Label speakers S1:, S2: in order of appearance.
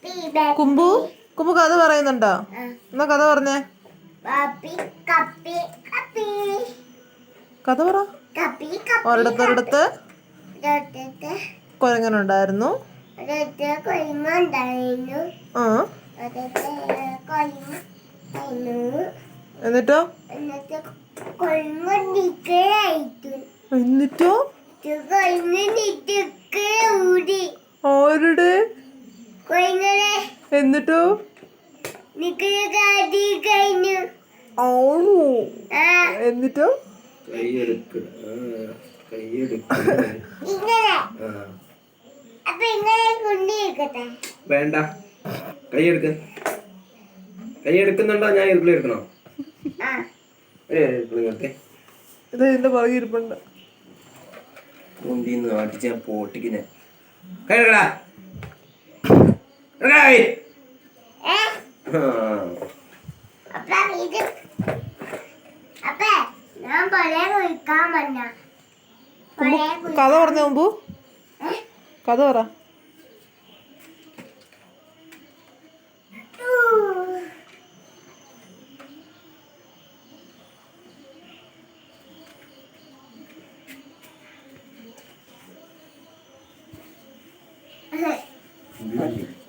S1: കുമ്പു കുമ്പു കഥ പറയുന്നുണ്ടോ? എന്നാ കഥ പറഞ്ഞേ. കഥ പറ. ഒരിടത്തൊരിടത്ത് കുരങ്ങനുണ്ടായിരുന്നു. ആ എന്നിട്ടോ എന്നിട്ടോ ആരുടെ എന്നിട്ടോ ആണോ എന്നിട്ടോ
S2: വേണ്ട കൈയെടുക്ക കൈയെടുക്കുന്നുണ്ടോ? ഞാൻ ഇരിപ്പിളി എടുക്കണോ?
S1: ഇത് ഇതിന്റെ പുറകെ ഇരിപ്പുണ്ട്.
S2: മുന്തിന്ന് അടിച്ച പൊട്ടിക്കിനെ കൈ
S1: കഥ പറഞ്ഞ മുമ്പ് കഥ പറ.
S2: Okay.